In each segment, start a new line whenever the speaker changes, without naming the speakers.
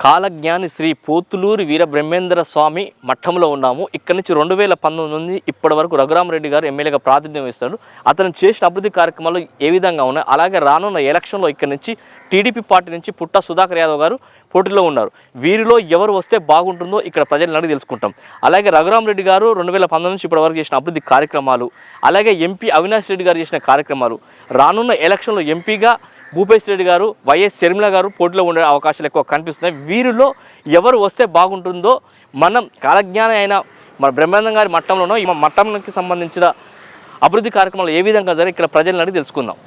కాలజ్ఞాని శ్రీ పోతులూరి వీర బ్రహ్మేంద్ర స్వామి మఠంలో ఉన్నాము. ఇక్కడి నుంచి 2019 నుండి ఇప్పటి వరకు రఘురామరెడ్డి గారు ఎమ్మెల్యేగా ప్రాతినిధ్యం వహిస్తాడు. అతను చేసిన అభివృద్ధి కార్యక్రమాలు ఏ విధంగా ఉన్నాయి, అలాగే రానున్న ఎలక్షన్లో ఇక్కడి నుంచి టీడీపీ పార్టీ నుంచి పుట్ట సుధాకర్ యాదవ్ గారు పోటీలో ఉన్నారు. వీరిలో ఎవరు వస్తే బాగుంటుందో ఇక్కడ ప్రజలను అడిగి తెలుసుకుంటాం. అలాగే రఘురామరెడ్డి గారు 2019 నుంచి ఇప్పటి వరకు చేసిన అభివృద్ధి కార్యక్రమాలు, అలాగే ఎంపీ అవినాష్ రెడ్డి గారు చేసిన కార్యక్రమాలు, రానున్న ఎలక్షన్లో ఎంపీగా భూపేష్ రెడ్డి గారు, వైఎస్ షర్మిల గారు పోటీలో ఉండే అవకాశాలు ఎక్కువ కనిపిస్తున్నాయి. వీరిలో ఎవరు వస్తే బాగుంటుందో మనం కాలజ్ఞాని అయిన మన బ్రహ్మానందం గారి మట్టంలోనో ఈ మట్టంకి సంబంధించిన అభివృద్ధి కార్యక్రమాలు ఏ విధంగా జరిగి ఇక్కడ ప్రజలను అడిగి తెలుసుకుందాం.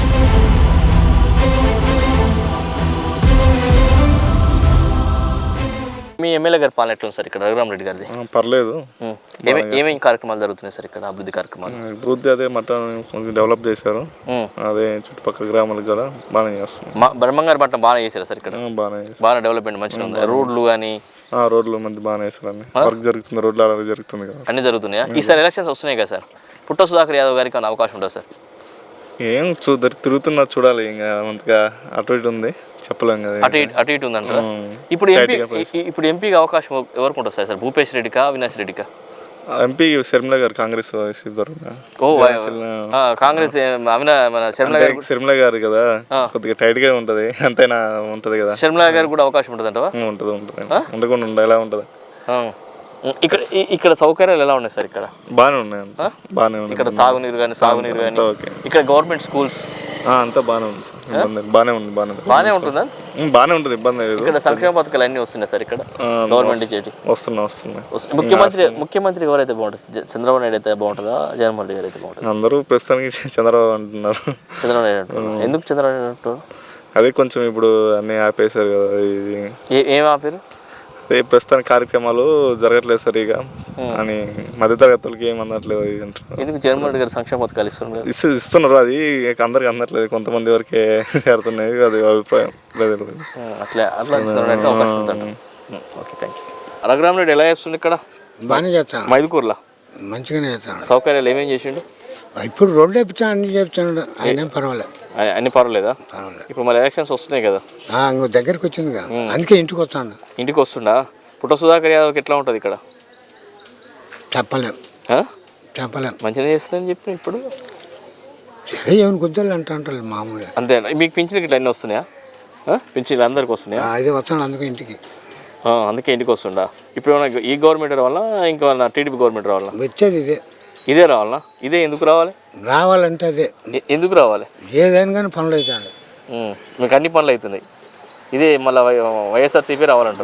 మీ ఎమ్మెల్యే గారి పాలన ఎట్లా ఉంది సార్ ఇక్కడ రఘురామరెడ్డి గారిది?
పర్లేదు.
ఏమేమి కార్యక్రమాలు జరుగుతున్నాయి సార్ ఇక్కడ అభివృద్ధి కార్యక్రమాలు?
అభివృద్ధి అదే మట్టం కొంచెం డెవలప్ చేశారు. అదే చుట్టుపక్కల గ్రామాలకు కూడా బాగానే చేస్తున్నారు.
బ్రహ్మంగారి మట్టం బాగానే చేశారు సార్ ఇక్కడ? బాగా డెవలప్మెంట్ మంచిగా ఉంది. రోడ్లు కానీ
రోడ్లు మంది బాగానే వేస్తారు. అన్ని వర్క్ జరుగుతుంది, రోడ్లు అలాగే జరుగుతుంది కదా,
అన్ని జరుగుతున్నాయా? ఈసారి ఎలక్షన్స్ వస్తున్నాయి కదా సార్, పుట్ట సుధాకర్ యాదవ్ గారికి అన్న అవకాశం ఉంటుంది సార్?
ఏం తిరుగుతున్నా చూడాలి. ఇంకా అంతగా అటు ఇటు ఉంది, చెప్పలేం కదా.
అటు ఇటు ఉందంట. ఇప్పుడు ఎంపీకి అవకాశం ఎవరికి ఉంటుంది సార్? భూపేష్ రెడ్డికా, అవినాష్ రెడ్డికా?
ఎంపీ షర్మిల గారు కాంగ్రెస్
కాంగ్రెస్
షర్మిల గారు కదా, కొద్దిగా టైట్ గా ఉంటది, అంతైనా ఉంటది కదా.
షర్మిల గారు కూడా అవకాశం ఉంటుంది అంటవా?
ఉంటది ఉండకుండా ఉండ ఎలా ఉంటది.
ఇక్కడ సౌకర్యాలు ఎలా ఉన్నాయి సార్? ఇక్కడ
బాగానే ఉన్నాయి, బాగానే ఉన్నాయి.
ఇక్కడ తాగునీరు కానీ సాగునీరు కానీ, ఇక్కడ గవర్నమెంట్ స్కూల్స్
అంతా బాగానే ఉంది సార్. బాగానే
ఉంటుందా?
బాగానే ఉంటుంది, ఇబ్బంది లేదు.
ఇక్కడ సంక్షేమ పథకాలు అన్ని వస్తున్నాయి సార్ ఇక్కడ గవర్నమెంట్ చేసి? వస్తున్నాయి. ముఖ్యమంత్రి ఎవరైతే బాగుంటుంది? చంద్రబాబు నాయుడు అయితే బాగుంటుందా, జగన్మోహన్ రెడ్డి గారు అయితే బాగుంటుంది?
అందరూ ప్రస్తుతానికి చంద్రబాబు అంటున్నారు.
చంద్రబాబు నాయుడు అంటున్నారు. ఎందుకు చంద్రబాబు నాయుడు అంటారు?
అదే కొంచెం ఇప్పుడు అన్ని ఆపేశారు కదా. ఇది
ఏం ఆపారు?
ప్రస్తుతానికి కార్యక్రమాలు జరగట్లేదు సరిగా అని మధ్యతరగతులకి ఏం అందట్లేదు అంటారు.
ఎందుకు జగన్మోహన్ రెడ్డి గారు సంక్షేమ పథకాలు
ఇస్తున్నారు? అది అందరికి అందట్లేదు, కొంతమంది వరకే చేరుతున్నాయి. అది అభిప్రాయం లేదు.
రఘురామరెడ్డి ఎలా చేస్తుంది ఇక్కడ?
బాగానే చేస్తాను.
మైదుకూరులో
మంచిగానే చేస్తాను.
సౌకర్యాలు ఏమేం చేసిండు?
ఇప్పుడు రోడ్లు వేపించాను, అన్ని చెప్తాడు. ఆయన పర్వాలేదు.
అన్ని పర్వాలేదా? ఇప్పుడు మళ్ళీ ఎలక్షన్స్ వస్తున్నాయి కదా,
దగ్గరికి వచ్చింది కదా, అందుకే ఇంటికి వస్తాడు.
ఇంటికి వస్తుండా? పుట్ట సుధాకర్ యాదవ్కి ఎట్లా ఉంటుంది ఇక్కడ?
చెప్పలేం.
మంచిగా చేస్తారని చెప్పి ఇప్పుడు
ఏమైనా గుద్దలు అంటారు మామూలుగా.
అంతే. మీకు పింఛన్కి ఇట్లా అన్నీ వస్తున్నాయా? పింఛన్లు అందరికి వస్తున్నాయా?
అదే వస్తాడు, అందుకే ఇంటికి.
అందుకే ఇంటికి వస్తుండా? ఇప్పుడు ఏమన్నా ఈ గవర్నమెంట్ రావాలా, ఇంకా టీడీపీ గవర్నమెంట్ రావాలా?
వచ్చేది
ఇదే రావాలా? ఇదే ఎందుకు రావాలి?
రావాలంటే అదే ఎందుకు
రావాలి?
ఏదైనా కానీ పనులు అవుతాడు.
మీకు అన్ని పనులు అవుతున్నాయి. ఇదే మళ్ళీ వైఎస్ఆర్సీపీ రావాలంట.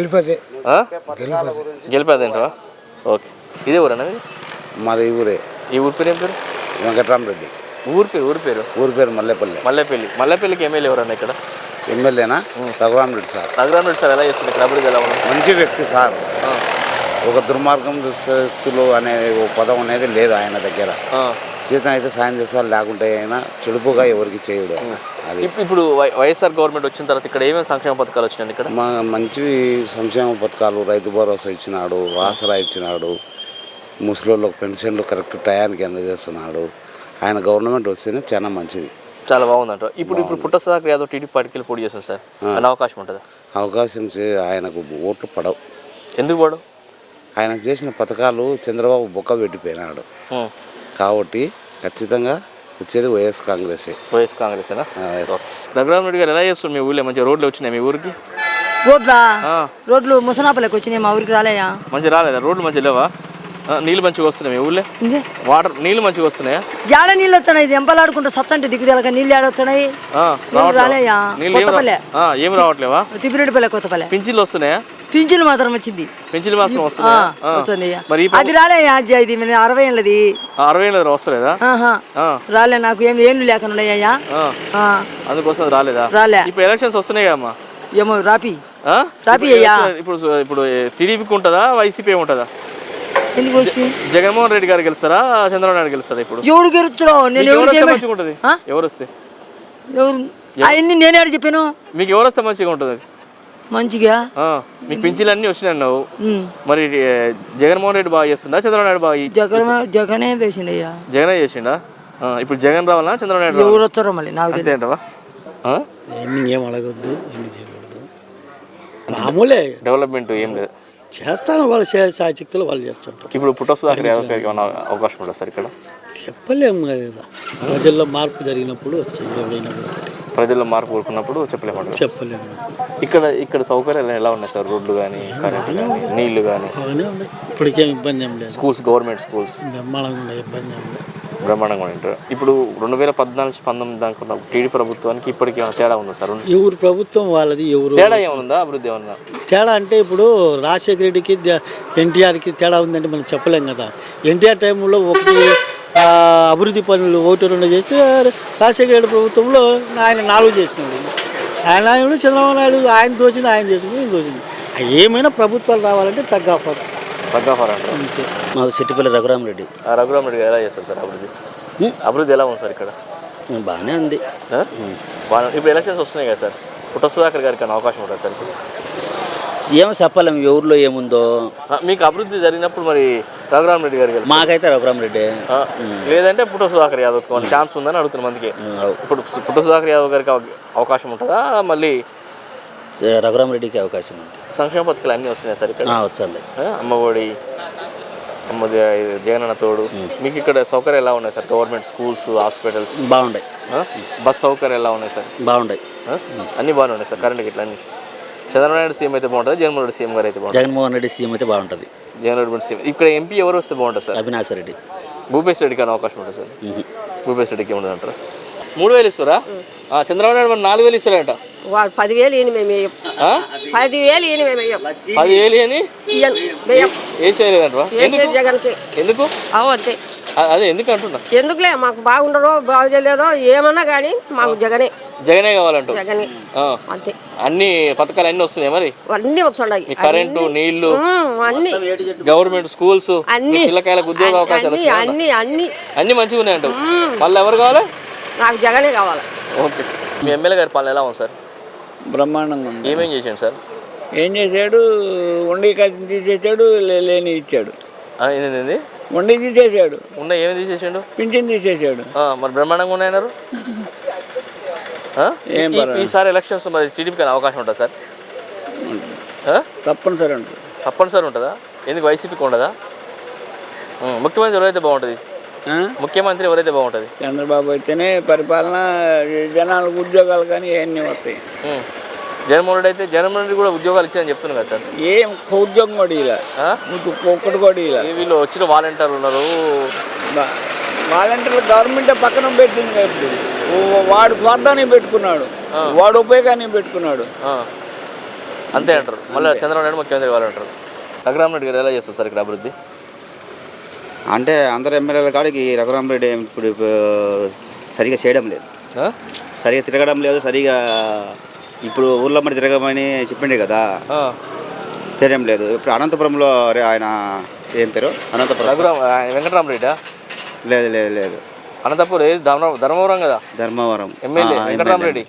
గెలిపేదేంటా? ఓకే. ఇదే ఊరు అన్నది?
మాది ఈ ఊరే.
ఈ ఊరి పేరు ఏం పేరు?
వెంకటరామరెడ్డి. ఊరి పేరు
మల్లెపల్లికి ఎమ్మెల్యే ఎవరన్నా ఇక్కడ?
ఎమ్మెల్యేనా? రఘురామరెడ్డి సార్.
రఘురామరెడ్డి సార్ ఎలా చేస్తుంది ఇక్కడ అభివృద్ధి? ఎలా ఉంది?
మంచి వ్యక్తి సార్. ఒక దుర్మార్గం దుస్తులు అనే పదం అనేది లేదు ఆయన దగ్గర. సీతను అయితే సాయం చేస్తారు, లేకుంటే అయినా చెడుపుగా ఎవరికి చేయడు. అది
ఇప్పుడు వైఎస్ఆర్ గవర్నమెంట్ వచ్చిన తర్వాత ఇక్కడ ఏమేమి సంక్షేమ పథకాలు వచ్చినాయి? ఇక్కడ
మంచి సంక్షేమ పథకాలు, రైతు భరోసా ఇచ్చినాడు, ఆసరా ఇచ్చినాడు, ముసలోళ్ళకి పెన్షన్లు కరెక్ట్ టయానికి అందజేస్తున్నాడు. ఆయన గవర్నమెంట్ వస్తేనే చాలా మంచిది,
చాలా బాగుందంట. ఇప్పుడు పుట్ట సుధాకర్ యాదవ్ టీడీపీ పార్టీకి పోటీ చేస్తుంది సార్, అనే అవకాశం ఉంటుందా?
అవకాశం ఆయనకు ఓట్లు పడవు.
ఎందుకు పడవు?
ఆయన చేసిన పథకాలు చంద్రబాబు బొక్క పెట్టిపోయినాడు కాబట్టి ఖచ్చితంగా వచ్చేది వైఎస్ కాంగ్రెసేనా?
రఘురామరెడ్డి గారు ఎలా చేస్తారు? మీ ఊళ్ళో మంచిగా రోడ్లు వచ్చినాయి? మీ ఊరికి
రోడ్లు ముసనాపల్లికి వచ్చినాయి, మా ఊరికి రాలేయా?
మంచిగా రాలేదా? రోడ్లు మంచిగా లేవా? నీళ్ళు మంచిగా వస్తున్నాయి మీ ఊళ్ళో? వాటర్ నీళ్ళు మంచిగా వస్తున్నాయా?
ఏడ నీళ్ళు వస్తున్నాయి? ఎంపలాడుకుంటూ సచ్చంటే దిగుదలక నీళ్ళు ఏడ వస్తున్నాయి? రాలేయా?
ఏం రావట్లేవా?
తిప్పిరెడ్డిపల్లె, కొత్తపల్లె.
పింఛన్లు వస్తున్నాయా?
పింఛన్లు మాత్రం వచ్చింది.
పింఛన్లు మాత్రం వస్తుంది.
అది రాలేయా? ఇది 60 ఏళ్ళది.
60 ఏళ్ళది వస్తలేదా?
రాలే, నాకు ఏం ఏళ్ళు లేకుండా ఉన్నాయ్యా,
అందుకోసం రాలేదా?
రాలే.
ఇప్పుడు ఎలక్షన్స్ వస్తున్నాయి కదమ్మా,
ఏమో రాపి అయ్యా.
ఇప్పుడు టీడీపీకి ఉంటుందా, వైసీపీ ఉంటుందా?
ఎందుకు
జగన్మోహన్ రెడ్డి గారు గెలుస్తారా, చంద్రబాబు నాయుడు గెలుస్తారా? ఇప్పుడు
ఎవరు గెలుస్తారో? నేను
ఎవరు వస్తే
అవన్నీ నేనే చెప్పాను.
మీకు ఎవరు వస్తే మంచిగా ఉంటుంది?
మంచిగా
మీకు పింఛన్లు అన్ని వచ్చినాయి అన్నావు, మరి జగన్మోహన్ రెడ్డి బాగా చేస్తుందా, చంద్రబాబు నాయుడు బాగా?
జగనే వేసిండయ్యా.
జగనే చేసిండా? ఇప్పుడు జగన్ రావాలా, చంద్రబాబు నాయుడు?
ఎవరు వస్తారో మళ్ళీ నాకు
అంతేంటవా?
ఏం అడగొద్దు,
మామూలే
డెవలప్మెంట్ ఏం లేదు.
చేస్తాను, వాళ్ళు శక్తులు వాళ్ళు చేస్తుంటారు.
ఇప్పుడు పుట్టొస్తు దాకా ఏమైనా అవకాశం ఉంటుంది సార్ ఇక్కడ?
చెప్పలేము కదా, ప్రజల్లో మార్పు జరిగినప్పుడు వచ్చాయి, ఎవరైనా
ప్రజల్లో మార్పు కోరుకున్నప్పుడు చెప్పలేము.
చెప్పలేము.
ఇక్కడ సౌకర్యాలు ఎలా ఉన్నాయి సార్? రోడ్లు కానీ, కరెంట్ కానీ, నీళ్లు కానీ
బాగానే ఉన్నాయి, ఇప్పటికేం ఇబ్బంది ఏం లేదు.
స్కూల్స్, గవర్నమెంట్ స్కూల్స్
బ్రహ్మాండంగా ఉన్నాయి, ఇబ్బంది ఏం లేదు.
బ్రహ్మాండంగా ఉంటారు. ఇప్పుడు 2014-19 దాకా టీడీ ప్రభుత్వానికి ఇప్పటికి ఏమైనా తేడా ఉందా సార్?
ఎవరు ప్రభుత్వం వాళ్ళది, ఎవరు
తేడా ఏమన్నా, అభివృద్ధి ఏమన్నా
తేడా అంటే ఇప్పుడు రాజశేఖర రెడ్డికి ఎన్టీఆర్కి తేడా ఉందంటే మనం చెప్పలేం కదా. ఎన్టీఆర్ టైంలో ఒకటి అభివృద్ధి పనులు 1-2 చేస్తే రాజశేఖర రెడ్డి ప్రభుత్వంలో ఆయన 4 చేసినాడు. ఆయన చంద్రబాబు నాయుడు ఆయన దోచింది ఆయన చేసింది, ఈయన దోచింది. ఏమైనా ప్రభుత్వాలు రావాలంటే తగ్గఫర్
అంటారు.
అంతే.
మాకు సిట్టిపల్లి రఘురామరెడ్డి.
రఘురామరెడ్డి గారు ఎలా చేస్తారు సార్ అభివృద్ధి? అభివృద్ధి ఎలా ఉంది సార్ ఇక్కడ?
బాగానే ఉంది.
ఇప్పుడు ఎలక్షన్స్ వస్తున్నాయి కదా సార్, పుట్ట సుధాకర్ గారికి అవకాశం ఉంటుంది సార్?
ఏమో చెప్పలేము ఎవరిలో ఏముందో.
మీకు అభివృద్ధి జరిగినప్పుడు మరి రఘురామరెడ్డి గారికి
మాకైతే రఘురామరెడ్డి,
లేదంటే పుట్ట సుధాకర్ యాదవ్ ఛాన్స్ ఉందని అడుగుతున్న మందికి. ఇప్పుడు పుట్ట సుధాకర్ యాదవ్ గారికి అవకాశం ఉంటుందా? మళ్ళీ
రఘురామరెడ్డికి అవకాశం ఉంది.
సంక్షేమ పథకాలు అన్నీ వస్తున్నాయి సార్ ఇక్కడ?
వచ్చండి.
అమ్మఒడి, జగనన్న తోడు. మీకు ఇక్కడ సౌకర్యాలు ఎలా ఉన్నాయి సార్? గవర్నమెంట్ స్కూల్స్, హాస్పిటల్స్
బాగున్నాయి.
బస్ సౌకర్యాలు ఎలా ఉన్నాయి సార్?
బాగున్నాయి,
అన్నీ బాగానే ఉన్నాయి సార్. కరెంట్ ఇట్లా అన్నీ చంద్రబాబు నాయుడు సీఎం అయితే బాగుంటుంది, జగన్మోహన్ రెడ్డి సీఎం గారు అయితే బాగుంటుంది?
జగన్మోహన్ రెడ్డి సీఎం అయితే బాగుంటుంది.
జగన్మోహన్ రెడ్డి సీఎం. ఇక్కడ ఎంపీ ఎవరు వస్తే బాగుంటుంది సార్?
అవినాష్ రెడ్డి.
భూపేష్ రెడ్డికి అని అవకాశం ఉంటుంది సార్? భూపేష్ రెడ్డికి ఏముంటుంది అంటారా? 3000 ఇస్తారా? చంద్రబాబు నాయుడు మరి 4000 ఇస్తారంట.
వాడు 10,000 ఈయన మేము వేయం. 10,000 ఈయన మేము వేయం.
10,000 అని ఏం చేయలేదంట
జగన్కి.
ఎందుకు?
అంతే.
అదే ఎందుకు అంటున్నా?
ఎందుకులే, మాకు బాగుండదో బాగు చేయలేదో ఏమన్నా కానీ మాకు జగనే
కావాలంటూ.
జగనే అంతే.
అన్ని పథకాలు అన్ని వస్తున్నాయి మరి?
అన్ని వస్తున్నాయి.
కరెంటు, నీళ్లు,
అన్ని
గవర్నమెంట్ స్కూల్స్,
అన్ని
పిల్లకాయలకు ఉద్యోగ అవకాశాలు
అన్ని అన్ని
అన్ని మంచిగా ఉన్నాయంట. మళ్ళీ ఎవరు కావాలి?
నాకు జగనే కావాలి.
ఓకే. మీ ఎమ్మెల్యే గారి పాలన ఎలా ఉంది సార్?
బ్రహ్మాండంగా ఉంది.
ఏమేం చేశాడు సార్?
ఏం చేశాడు? వండి కత్తి తీసేసాడు, లేని ఇచ్చాడు.
ఏంది?
వండి తీసేసాడు.
ఉన్న ఏమి తీసేసాడు?
పింఛన్ తీసేసాడు.
మరి బ్రహ్మాండంగా ఉన్నాయన్నారు. ఈసారి ఎలక్షన్స్ మరి టీడీపీకి అవకాశం ఉంటుందా సార్?
తప్పనిసరి ఉంటుంది.
తప్పనిసరి ఉంటుందా? ఎందుకు వైసీపీకి ఉండదా? ముఖ్యమంత్రి ఎవరైతే బాగుంటుంది? ముఖ్యమంత్రి ఎవరైతే బాగుంటుంది?
చంద్రబాబు అయితేనే పరిపాలన, జనాలకు ఉద్యోగాలు కానీ ఇవన్నీ వస్తాయి.
జగన్మోహన్ రెడ్డి అయితే జగన్మోహన్ రెడ్డి కూడా ఉద్యోగాలు ఇచ్చారని చెప్తున్నారు కదా సార్?
ఏం ఉద్యోగం కూడా ఇలా ఒక్కటి కూడా ఇలా.
వీళ్ళు వచ్చిన వాలంటీర్లు ఉన్నారు.
వాలంటీర్లు గవర్నమెంట్ పక్కన పెట్టింది కదా. ఇప్పుడు వాడు స్వార్థాన్ని పెట్టుకున్నాడు, వాడు ఉపయోగాన్ని పెట్టుకున్నాడు.
అంతే అంటారు. మళ్ళీ చంద్రబాబు నాయుడు ముఖ్యమంత్రి వాళ్ళంటారు. రఘురామరెడ్డి గారు ఎలా చేస్తారు సార్ ఇక్కడ అభివృద్ధి?
అంటే అందరు ఎమ్మెల్యేల కాడికి రఘురామరెడ్డి ఇప్పుడు సరిగా చేయడం లేదు, సరిగా తిరగడం లేదు. సరిగా ఇప్పుడు ఊళ్ళో మరి తిరగమని చెప్పిండే కదా, చేయడం లేదు. ఇప్పుడు అనంతపురంలో ఆయన ఏం పేరు? అనంతపురం
వెంకటరామరెడ్డి?
లేదు లేదు లేదు,
అనంతపురం ధర్మవరం కదా.
ధర్మవరం
ఎమ్మెల్యే వెంకటరామరెడ్డి.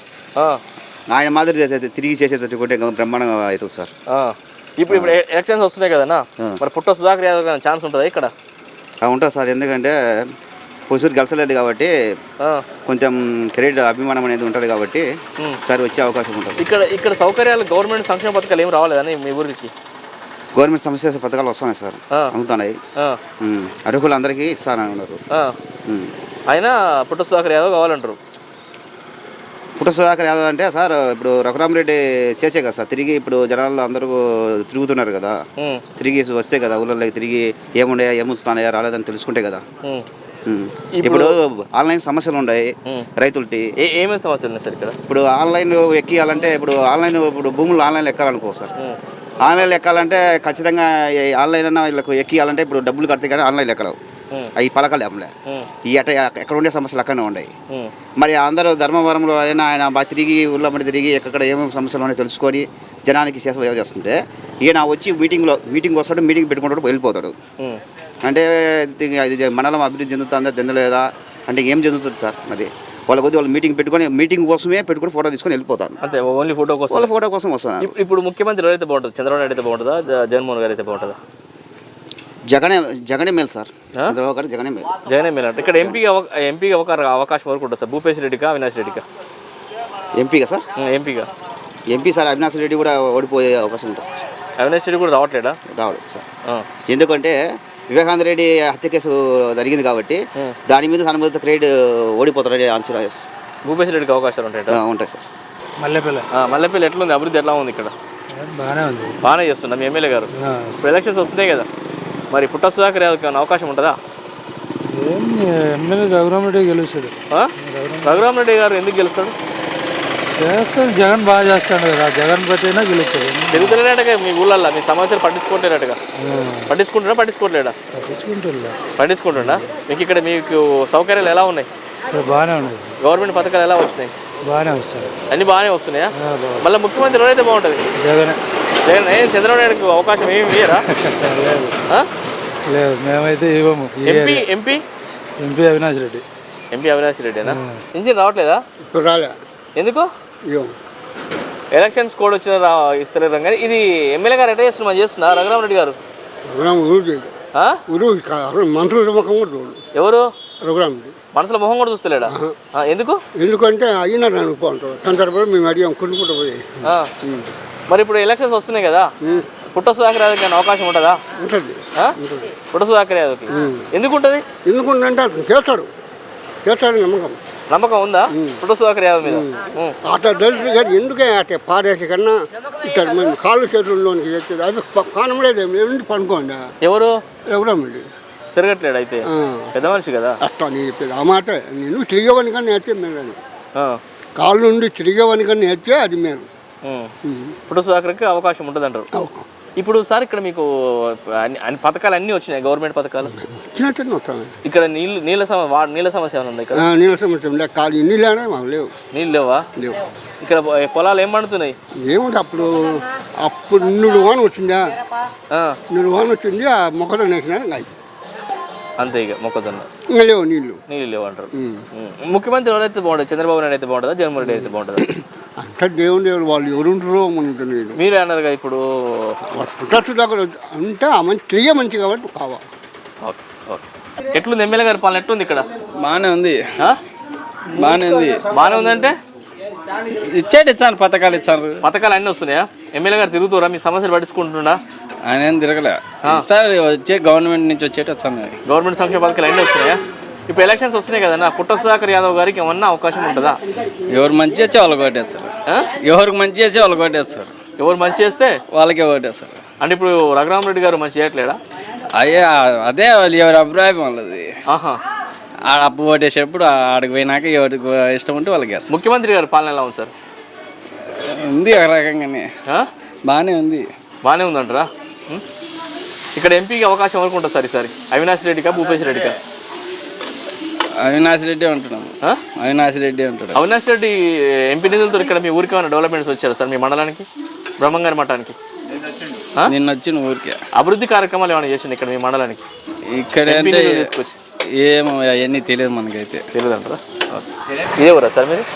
ఆయన మాదిరి తిరిగి చేసేటట్టుకుంటే బ్రహ్మాండంగా అవుతుంది సార్.
ఇప్పుడు ఎలక్షన్స్ వస్తున్నాయి కదన్నా, మరి పుట్ట సుధాకర్ యాదవ్ గారి ఛాన్స్ ఉంటుందా ఇక్కడ?
ఉంటుంది సార్, ఎందుకంటే పొసూరు గెలసలేదు కాబట్టి కొంచెం క్రెడిట్ అభిమానం అనేది ఉంటుంది కాబట్టి సార్ వచ్చే అవకాశం ఉంటుంది.
ఇక్కడ సౌకర్యాలు, గవర్నమెంట్ సంక్షేమ పథకాలు ఏమి రావాలేదని మీ ఊరికి?
గవర్నమెంట్ సంక్షేమ పథకాలు వస్తున్నాయి సార్, అందుతున్నాయి. అర్హులు అందరికీ ఇస్తానని ఉన్నారు.
అయినా పుట్ట సుధాకర్ యాదవ్ కావాలంటారు.
పుట్ట సుధాకర్ యాదవ్ అంటే సార్ ఇప్పుడు రఘురామరెడ్డి చేసే కదా సార్, తిరిగి ఇప్పుడు జనాలు అందరూ తిరుగుతున్నారు కదా, తిరిగి వస్తే కదా ఊళ్ళలోకి తిరిగి ఏముండే ఏముస్తున్నాయా రాలేదని తెలుసుకుంటే కదా. ఇప్పుడు ఆన్లైన్ సమస్యలు ఉన్నాయి రైతులకి.
ఏమేమి సమస్యలు ఉన్నాయి సార్ ఇక్కడ?
ఇప్పుడు ఆన్లైన్ ఎక్కియాలంటే, ఇప్పుడు భూములు ఆన్లైన్లో ఎక్కాలనుకో సార్, ఆన్లైన్లో ఎక్కాలంటే ఖచ్చితంగా ఆన్లైన్ అన్న వీళ్ళకు ఎక్కియాలంటే ఇప్పుడు డబ్బులు కడితే కానీ ఆన్లైన్లో ఎక్కడవు. అవి పలకలు అమ్మలే, ఈ ఎక్కడ ఉండే సమస్యలు అక్కడనే ఉన్నాయి. మరి అందరూ ధర్మవరంలో అయినా ఆయన బాగా తిరిగి ఊళ్ళో మరి తిరిగి ఎక్కడ ఏమేమి సమస్యలు ఉన్నాయో తెలుసుకొని జనానికి సేవ చేస్తుంటే, ఈయన వచ్చి మీటింగ్ వస్తాడు, మీటింగ్ పెట్టుకుంటాడు, వెళ్ళిపోతాడు. అంటే అది మండలం అభివృద్ధి చెందుతుందా చెందలేదా అంటే ఏం చెందుతుంది సార్? మరి వాళ్ళ కొద్ది వాళ్ళు మీటింగ్ కోసమే పెట్టుకుని ఫోటో తీసుకొని వెళ్ళిపోతాను.
అంతే, ఓన్లీ ఫోటో కోసం,
వాళ్ళ ఫోటో కోసం వస్తాను.
ఇప్పుడు ముఖ్యమంత్రి ఎవరైతే బాగుంటుంది? చంద్రబాబు నాయుడు అయితే బాగుంటుందా, జగన్మోహన్ గారు అయితే బాగుంటుందా?
జగనే మేలు సార్, చంద్రబాబు గారు జగనే మేలు
అంటే. ఇక్కడ ఎంపీగా అవకాశం వరకు ఉంటుంది సార్. భూపేష్ రెడ్డికా, అవినాష్ రెడ్డికా?
ఎంపీగా సార్,
ఎంపీగా
ఎంపీ సార్ అవినాష్ రెడ్డి కూడా ఓడిపోయే అవకాశం ఉంటుంది సార్.
అవినాష్ రెడ్డి కూడా రావట్లేడా?
రావడం సార్. ఎందుకంటే వివేకానంద రెడ్డి హత్య కేసు జరిగింది కాబట్టి దాని మీద అనుమతి క్రెడిట్ ఓడిపోతారని అంచనా వేస్తారు.
భూపేశ్ రెడ్డికి అవకాశాలు
ఉంటాయి సార్.
మల్లెపల్లి ఎట్లుంది, అభివృద్ధి ఎట్లా ఉంది ఇక్కడ?
బాగానే ఉంది.
బాగానే చేస్తున్నాం మీ ఎమ్మెల్యే గారు. ఇప్పుడు ఎలక్షన్స్ వస్తున్నాయి కదా, మరి పుట్ట సుధాకర్ యాదవ్కి ఏమైనా అవకాశం ఉంటుందా?
ఎమ్మెల్యే రఘురామరెడ్డి గెలుస్తాడు.
రఘురామరెడ్డి గారు ఎందుకు గెలుస్తాడు?
చేస్తాడు, జగన్ బాగా చేస్తాడు కదా, జగన్ పట్టినా గెలుస్తాడు.
తెలుగుతున్నట్టుగా మీ ఊళ్ళల్లో మీ సమస్యలు పట్టించుకోవట్లేనట్టుగా. పట్టించుకుంటున్నాడా? పట్టించుకుంటున్నా. మీకు ఇక్కడ మీకు సౌకర్యాలు ఎలా ఉన్నాయి?
బాగానే ఉన్నాయి.
గవర్నమెంట్ పథకాలు ఎలా వచ్చినాయి?
బాగానే వస్తాయి.
అన్నీ బాగానే వస్తున్నాయా? మళ్ళీ ముఖ్యమంత్రి ఎవరైతే బాగుంటుంది?
జగన్.
ఏం చంద్రబాబు నాయుడుకి అవకాశం ఏమి ఇయ్యరా?
లేదు, మేమైతే ఇవ్వము.
ఎంపీ
అవినాష్ రెడ్డి.
ఎంపీ అవినాష్ రెడ్డినా? ఇంజిన్ రావట్లేదా?
రాలే.
ఎందుకు? ఎలక్షన్స్ కోడ్ వచ్చిన ఇస్తలేరు కానీ ఇది ఎమ్మెల్యే గారు ఎట్లా చేస్తున్నా చేస్తున్నా రఘురామరెడ్డి గారు? ఎవరు?
రఘురామరెడ్డి
మనసులో మొహం కూడా చూస్తలేడా? ఎందుకు?
ఎందుకంటే అయినారు అనుకుంటారు సందర్భంలో మేము అడిగాం కొనుక్కుంటూ పోయి.
మరి ఇప్పుడు ఎలక్షన్స్ వస్తున్నాయి కదా, పుట్ట సుధాకర్ యాదవ్కి అవకాశం ఉంటుందా?
ఉంటుంది.
పుట్ట సుధాకర్ యాదవ్కి ఎందుకు ఉంటుంది?
ఎందుకుంటే చేస్తాడు నమ్మకం
ఉందా పుట్ట సుధాకర్ యాదవ్ మీద?
అట్లా దళితులు కానీ ఎందుకే అట్లా పారేసి కన్నా ఇక్కడ మేము కాళ్ళు చేతుల్లోనికి తెచ్చేది అది కానమలేదు. ఎందుకు పనుకోండి.
ఎవరు?
రఘురామరెడ్డి
తిరగట్లేడు అయితే, పెద్ద మనిషి కదా.
అట్లా నేను చెప్పేది ఆ మాట. నేను తిరిగేవాని కానీ నేర్చే మేలు, కాళ్ళు నుండి తిరిగేవాని కానీ నేర్చే అది మేలు.
పుట్ట సుధాకర్కి అవకాశం ఉంటుంది అంటారు. ఇప్పుడు సార్ ఇక్కడ మీకు అన్ని పథకాలు అన్నీ వచ్చినాయి, గవర్నమెంట్ పథకాలు ఇక్కడ నీళ్ళ సమస్య ఏమైనా ఉంది? ఇక్కడ
నీళ్ళ సమస్య ఉండే కాదు, నీళ్ళే మాకు లేవు.
నీళ్ళు లేవా? లేవు. ఇక్కడ పొలాలు ఏం పండుతున్నాయి?
ఏముంది అప్పుడు 100 వాన వచ్చిందా, 100 వాన వచ్చింది. ఆ మొక్కజొన్న వేసినా
అంతే, ఇక మొక్కజొన్న
ఇంకా లేవు, నీళ్ళు
లేవు అంటారు. ముఖ్యమంత్రి ఎవరైతే బాగుంటుంది? చంద్రబాబు నాయుడు అయితే బాగుంటుందా, జగన్మోహన్ రెడ్డి అయితే బాగుంటుందా?
అంతా దేవుడు వాళ్ళు ఎవరుంటారో మనకు తెలియదు.
మీరే అన్నారు కదా ఇప్పుడు
దగ్గర అంటే ఆ మంచి తిరిగే మంచి కాబట్టి కావాలి.
ఎట్లుంది ఎమ్మెల్యే గారి పాలన? ఎట్లుంది ఇక్కడ?
బాగానే ఉంది.
బాగానే ఉందంటే
ఇచ్చాను, పథకాలు ఇచ్చారు.
పథకాలు అన్నీ వస్తున్నాయా? ఎమ్మెల్యే గారు తిరుగుతారా? మీ సమస్యలు పట్టించుకుంటున్నా?
ఆయన ఏం తిరగలే. వచ్చే గవర్నమెంట్ నుంచి వచ్చేటి వచ్చాను.
గవర్నమెంట్ సంక్షేమ పథకాలు అన్నీ వస్తున్నాయా? ఇప్పుడు ఎలక్షన్స్ వస్తున్నాయి కదన్నా, పుట్ట సుధాకర్ యాదవ్ గారికి ఏమన్నా అవకాశం ఉంటుందా?
ఎవరు మంచి చేస్తే వాళ్ళకి ఓటేస్తారు. ఎవరికి మంచి చేస్తే వాళ్ళకి ఓటేస్తారు.
ఎవరు మంచి చేస్తే
వాళ్ళకే ఓటేస్తారు.
అంటే ఇప్పుడు రఘురామరెడ్డి గారు మంచి చేయట్లేడా?
అదే వాళ్ళు ఎవరి అభిప్రాయం వాళ్ళది. ఆడ అప్పు ఓటేసేటప్పుడు ఆడికి పోయినాక ఎవరికి ఇష్టం ఉంటే వాళ్ళకి వేస్తారు.
ముఖ్యమంత్రి గారు పాలన ఎలా ఉంది సార్?
ఉంది ఒక రకంగానే, బాగానే ఉంది.
బాగానే ఉందంటారా? ఇక్కడ ఎంపీకి అవకాశం ఎవరికి ఉంటుంది సార్ ఈసారి? అవినాష్ రెడ్డికా, భూపేశ్ రెడ్డికా?
అవినాష్ రెడ్డి అంటున్నాము. అవినాష్ రెడ్డి అంటున్నాం.
అవినాష్ రెడ్డి ఎంపీ నిధులతో ఇక్కడ మీ ఊరికి ఏమైనా డెవలప్మెంట్స్ వచ్చారు సార్? మీ మండలానికి, బ్రహ్మంగారి మఠానికి
నిన్న వచ్చిన ఊరికే
అభివృద్ధి కార్యక్రమాలు ఏమైనా చేసింది ఇక్కడ మీ మండలానికి?
ఇక్కడ అంటే ఏమో అవన్నీ తెలియదు మనకైతే.
తెలియదు అంటారా? ఇదే ఊరా సార్ మీరు?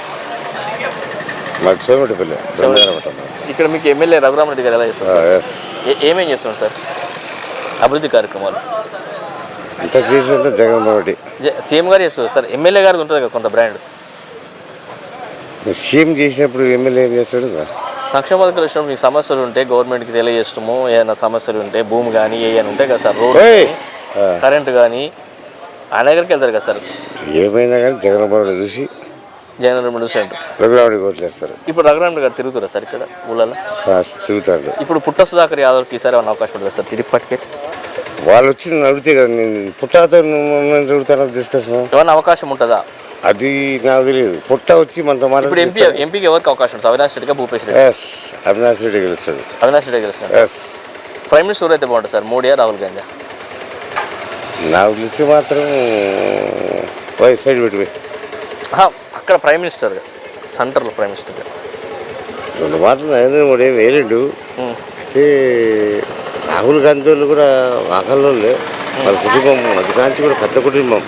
ఇక్కడ మీకు ఎమ్మెల్యే రఘురామరెడ్డి గారు ఎలా చేస్తారు? ఏమేం చేస్తున్నారు సార్ అభివృద్ధి కార్యక్రమాలు?
అంత చేసేంత జగన్మోహన్ రెడ్డి
సీఎం గారు చేస్తారు సార్. ఎమ్మెల్యే గారు ఉంటుంది కదా కొంత బ్రాండ్.
సీఎం చేసినప్పుడు ఎమ్మెల్యే ఏం చేస్తాడు?
సంక్షేమ పథకాలు వచ్చినప్పుడు మీకు సమస్యలు ఉంటే గవర్నమెంట్కి తెలియజేస్తాము. ఏదైనా సమస్యలు ఉంటే భూమి కానీ ఏమైనా ఉంటాయి కదా సార్, రోడ్డు కరెంటు కానీ ఆయన దగ్గరికి వెళ్తారు కదా సార్.
ఏమైనా కానీ జగన్మోహన్ రెడ్డి చూసి రఘురామరెడ్డి ఓట్లు వేస్తారు.
ఇప్పుడు రఘురామరెడ్డి గారు తిరుగుతారా సార్ ఇక్కడ ఊళ్ళలో?
తిరుగుతాడు.
ఇప్పుడు పుట్ట సుధాకర్ యాదవ్కి ఈసారి ఏమైనా అవకాశం ఉంటుంది సార్ తిరిగిపట్టుకే?
వాళ్ళు వచ్చి అడిగితే కదా నేను పుట్టాతో అడుగుతాను డిస్కషన్.
ఏమైనా అవకాశం ఉంటుందా?
అది నాకు తెలియదు. పుట్ట వచ్చి మనతో
ఇప్పుడు ఎంపీకి ఎవరికి అవకాశం ఉంటుంది? అవినాష్ రెడ్డిగా, భూపేశ్ రెడ్డి?
అవినాష్ రెడ్డి గెలుస్తాడు.
అవినాష్ రెడ్డి గెలుస్తాడు. ప్రైమ్ మినిస్టర్ అయితే బాగుంటుంది సార్, మోడీయా, రాహుల్ గాంధీ?
నాకు తెలిసి మాత్రం సైడ్ పెట్టిపోయి
అక్కడ ప్రైమ్ మినిస్టర్గా, సెంటర్లో ప్రైమ్ మినిస్టర్గా
2 మాటలు నరేంద్ర మోడీ ఏం వేయలేడు. అయితే రాహుల్ గాంధీ వాళ్ళు కూడా ఆకలిలోనే వాళ్ళ కుటుంబం అది కాంచి కూడా పెద్ద కుటుంబం.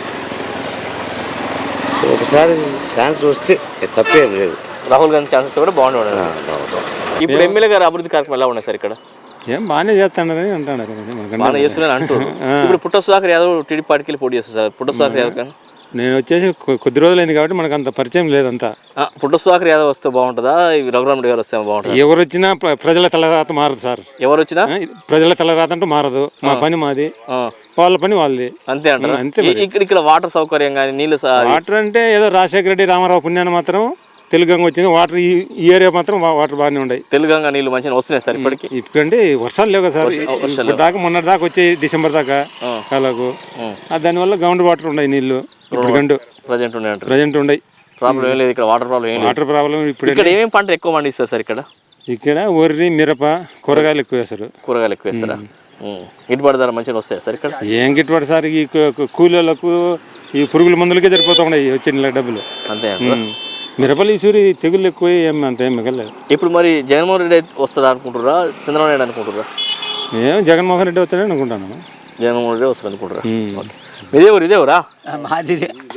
ఒకసారి ఛాన్స్ వస్తే తప్పేం లేదు.
రాహుల్ గాంధీ ఛాన్సెస్ కూడా బాగుండే. ఇప్పుడు ఎమ్మెల్యే గారు అభివృద్ధి కార్యక్రమం ఎలా ఉన్నాయి సార్ ఇక్కడ?
ఏం బాగానే చేస్తాడని అంటున్నారు.
బాగానే చేస్తున్నాను అంటారు. ఇప్పుడు పుట్ట సుధాకర్ యాదవ్ టీడీపీ పార్టీకి పోటీ చేస్తారు సార్. పుట్ట సుధాకర్ యాదవ్ కానీ
నేను వచ్చేసి కొద్ది రోజులైంది కాబట్టి మనకు అంత పరిచయం లేదంతా.
పుట్ట సుధాకర్ యాదవ్ వస్తే బాగుంటుందా, రఘురామ్ రెడ్డి గారు వస్తే బాగుంటుందా?
ఎవరు వచ్చినా ప్రజల తలరాత మారదు సార్.
ఎవరు వచ్చినా
ప్రజల తలరాత అంటూ మారదు. మా పని మాది, వాళ్ళ పని వాళ్ళది.
అంతే అంటారు.
అంతే.
ఇక్కడ వాటర్ సౌకర్యం కానీ నీళ్ళు
వాటర్ అంటే ఏదో రాజశేఖర రెడ్డి రామారావు పుణ్యాన్ని మాత్రం తెలుగంగా వచ్చింది. వాటర్ ఈ ఏరియా మాత్రం వాటర్ బాగానే ఉన్నాయి.
తెలుగంగా నీళ్ళు మంచిగా వస్తున్నాయి సార్ ఇప్పటికి.
ఇప్పుడంటే వర్షాలు లేవు కదా సార్. ఇప్పుడు దాకా మొన్నటి దాకా వచ్చాయి, డిసెంబర్ దాకా కాలకు. దానివల్ల గ్రౌండ్ వాటర్ ఉన్నాయి నీళ్లు. ఇప్పుడు గండు ప్రజెంట్ ఉన్నాయి.
ప్రాబ్లం ఏం లేదు ఇక్కడ, వాటర్ ప్రాబ్లం ఏం లేదు.
వాటర్ ప్రాబ్లం ఇప్పుడు
ఇక్కడ ఏమేమి పంట ఎక్కువ పండిస్తారు సార్ ఇక్కడ?
ఇక్కడ వరి, మిరప, కూరగాయలు ఎక్కువ వేస్తారు.
కూరగాయలు ఎక్కువ వేస్తారా? గిట్టుబాటు ధర మంచిగా వస్తాయి సార్ ఇక్కడ?
ఏం గిట్టుబాటు సార్, ఈ కూలీలకు ఈ పురుగుల మందులకే సరిపోతా ఉన్నాయి వచ్చిన డబ్బులు.
అంతే.
మిరపలు ఈసూరి తెగుళ్ళు ఎక్కువ, అంత ఏం మిగలేదు.
ఇప్పుడు మరి జగన్మోహన్ రెడ్డి వస్తారా అనుకుంటారా, చంద్రబాబు నాయుడు అనుకుంటారా?
మేము జగన్మోహన్ రెడ్డి వస్తాడని అనుకుంటాను.
జగన్మోహన్ రెడ్డి వస్తారు అనుకుంటారా? ఇదే ఊరు, ఇదే ఊరా?
మాది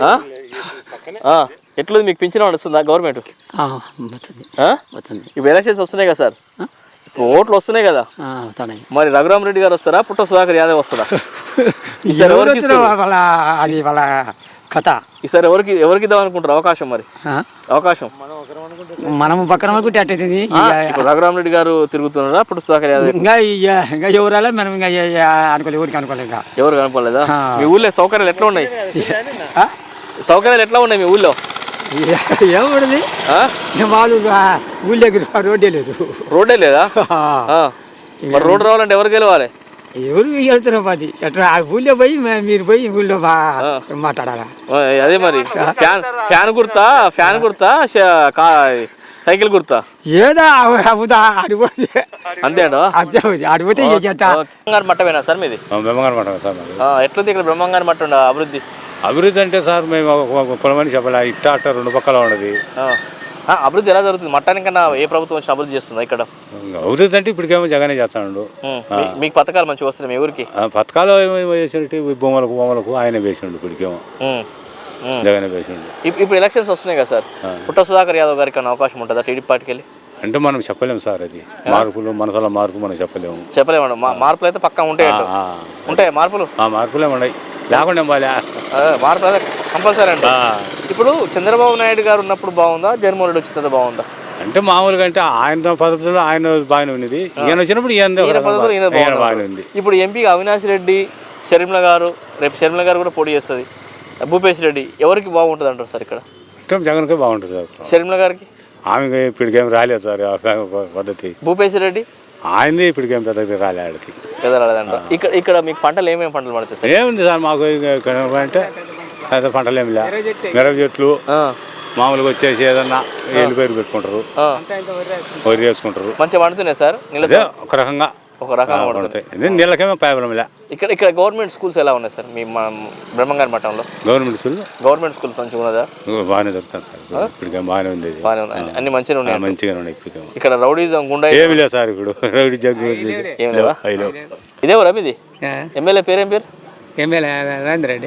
ఎట్లుంది మీకు పింఛన్ వస్తుందా గవర్నమెంట్? ఇప్పుడు ఎలక్షన్స్ వస్తున్నాయి కదా సార్, ఇప్పుడు ఓట్లు వస్తున్నాయి కదా, మరి రఘురామ్ రెడ్డి గారు వస్తారా, పుట్ట సుధాకర్ యాదవ్ వస్తారా?
అది వాళ్ళ కథ.
ఈసారి ఎవరికి ఇద్దాం అనుకుంటారు అవకాశం? మరి అవకాశం
మనము పక్కన అనుకుంటే అట్టయితుంది.
ఇప్పుడు రఘురామ్ రెడ్డి గారు తిరుగుతున్నారా, పుట్ట సుధాకర్ యాదవ్?
ఇంకా ఎవరాలే మనం ఇంకా అనుకోలేదు, ఊరికి అనుకోలేదు. ఇంకా
ఎవరు కనపడలేదా? మీ ఊళ్ళో సౌకర్యాలు ఎట్లా ఉన్నాయి? సౌకర్యాలు ఎట్లా ఉన్నాయి మీ ఊళ్ళో?
ఏముండదు, వాళ్ళు ఊళ్ళో దగ్గర రోడ్డే లేదు.
రోడ్డే లేదా? మరి రోడ్డు రావాలంటే ఎవరు గెలవాలి?
ఎవరు వెళ్తున్నాం అది ఎట్లా ఊళ్ళో పోయి మీరు పోయి ఊళ్ళో మాట్లాడాలా?
అదే మరి ఫ్యాన్ గుర్తా సైకిల్ గుర్తా
ఏదో అడిపోతే
అంతే
అడిపోతే
బ్రహ్మంగారి మట్టమేనా సార్ మీది?
బ్రహ్మంగారి మఠం సార్.
ఎట్లుంది ఇక్కడ బ్రహ్మంగారి మట్టం అభివృద్ధి?
అభివృద్ధి అంటే సార్ మేము కులమని చెప్పాలి, ఇట్ట అట్ట రెండు పక్కల ఉన్నది.
అభివృద్ధి ఎలా జరుగుతుంది? మట్టానికన్నా ఏ ప్రభుత్వం వచ్చి అభివృద్ధి చేస్తుందా ఇక్కడ?
అభివృద్ధి అంటే ఇప్పటికేమో జగనే చేస్తాడు.
మీకు పథకాలు మంచిగా వస్తున్నాయి మీ ఊరికి?
పథకాలు వేసినట్టు బొమ్మలకు ఆయన వేసిండు. ఇప్పటికేమో జగనే వేసిండు.
ఇప్పుడు ఎలక్షన్స్ వస్తున్నాయి కదా సార్, పుట్ట సుధాకర్ యాదవ్ గారికి అన్న అవకాశం ఉంటుందా టీడీపీ పార్టీకి వెళ్ళి?
అంటే మనం చెప్పలేము సార్, అది మార్పులు మనసులో మార్పు మనం
చెప్పలేము. మార్పులు అయితే పక్కా ఉంటాయి మార్పులు
ఉన్నాయి, లేకుండా
మార్పులు అయితే కంపల్సరీ అండి. ఇప్పుడు చంద్రబాబు నాయుడు గారు ఉన్నప్పుడు బాగుందా, జగన్మోహన్ రెడ్డి వచ్చిన బాగుందా?
అంటే మామూలుగా అంటే ఆయన పద్ధతిలో ఆయన బాగానే ఉన్నది, ఈయన వచ్చినప్పుడు ఈయన బాగానే ఉంది.
ఇప్పుడు ఎంపీ అవినాష్ రెడ్డి, షర్మిల గారు, రేపు షర్మిల గారు కూడా పోటీ చేస్తుంది, భూపేష్ రెడ్డి, ఎవరికి బాగుంటుంది అంటారు సార్ ఇక్కడ?
జగన్కే బాగుంటుంది సార్.
షర్మిల గారికి
ఆమె ఇప్పటికేం రాలేదు సార్ పద్ధతి.
భూపేష్ రెడ్డి
ఆయనది ఇప్పటికేం పెద్ద రాలేదు.
రాలేదంట. ఇక్కడ మీకు పంటలు ఏమేమి పంటలు పడుతుంది సార్?
ఏముంది సార్ మాకు అంటే పెద్ద పంటలు ఏమి లే, మిరప చెట్లు మామూలుగా వచ్చేసి ఏదన్నా ఎల్లు పేరు పెట్టుకుంటారు, వరి వేసుకుంటారు.
మంచిగా పండుతున్నాయి సార్?
ఒక రకంగా పడతాయి, నీళ్ళకేమో ప్రాబ్లం లే.
ఇక్కడ గవర్నమెంట్ స్కూల్స్ ఎలా ఉన్నాయి సార్ మీ బ్రహ్మంగారి మఠంలో?
గవర్నమెంట్ స్కూల్
మంచిగా ఉన్నదా?
బాగానే దొరుకుతాను సార్, ఇప్పటికే బాగానే ఉంది.
అన్ని మంచిగా ఉన్నాయి.
మంచిగానే ఉన్నాయి. ఇప్పటికే
ఇక్కడ రౌడీజం గుండా
ఏమి లేదు సార్, ఇప్పుడు రౌడీ జగ్గు
ఏమి లేవా? ఇదే ఊరా మీది? ఎమ్మెల్యే పేరేం పేరు?
ఎమ్మెల్యే రవీంద్ర రెడ్డి.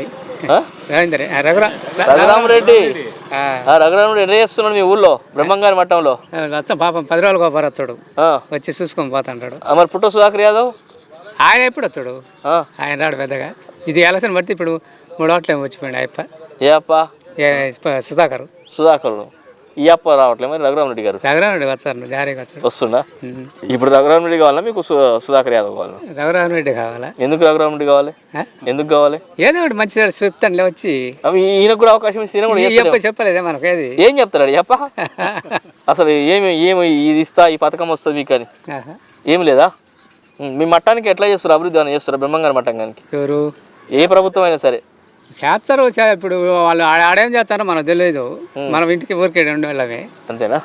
రఘురామ్ రెడ్డి ఎట్లా చేస్తున్నాడు మీ ఊళ్ళో బ్రహ్మంగారి మఠంలో?
పాపం 10 రోజులకు ఒకరు వస్తాడు, వచ్చి చూసుకొని పోతాడు.
మరి పుట్ట సుధాకర్ యాదవ్
ఆయన ఎప్పుడు వస్తాడు? ఆయన రాడు పెద్దగా. ఇది ఎలక్షన్ బట్టి ఇప్పుడు 3 ఓట్లు ఏమో వచ్చిపోయాడు అయ్యప్ప.
ఏ అప్ప?
సుధాకర్
ఈ అప్ప రావట్లేదు. మరి రఘురామ్ రెడ్డి గారు?
రఘురామ్ రెడ్డి వచ్చారు, జారీగా వచ్చాడు.
వస్తుందా? ఇప్పుడు రఘురామ్ రెడ్డి కావాలా మీకు సుధాకర్ యాదవ్ కావాలా?
రఘురామ్ రెడ్డి కావాలా?
ఎందుకు రఘురామ్ రెడ్డి కావాలి? ఎందుకు కావాలి?
ఏదో ఒకటి మంచి చెప్తానులే వచ్చి.
ఈయనకు కూడా అవకాశం ఇస్తే
చెప్పలేదే మనకు. ఏది
ఏం చెప్తాడు చెప్ప? అసలు ఏమి ఇది ఇస్తా, ఈ పథకం వస్తుంది మీకు అని ఏమి లేదా? మీ మట్టానికి ఎట్లా చేస్తారు? అభివృద్ధి అని చేస్తారా బ్రహ్మంగారి మఠానికి? ఎవరు ఏ ప్రభుత్వం అయినా సరే
చేస్తారు. ఇప్పుడు వాళ్ళు ఆడేం చేస్తారో మనకు తెలియదు, మనం ఇంటికి ఊరికే ఉండేవాళ్ళమే.
అంతేనా?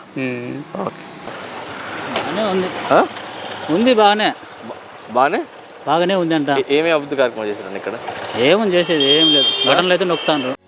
ఉంది
బాగానే
ఉంది అంట.
ఏమేమి అభివృద్ధి కార్యక్రమాలు చేశారు ఇక్కడ?
ఏమని చేసేది ఏం లేదు, బటన్లు అయితే నొక్కుతాను.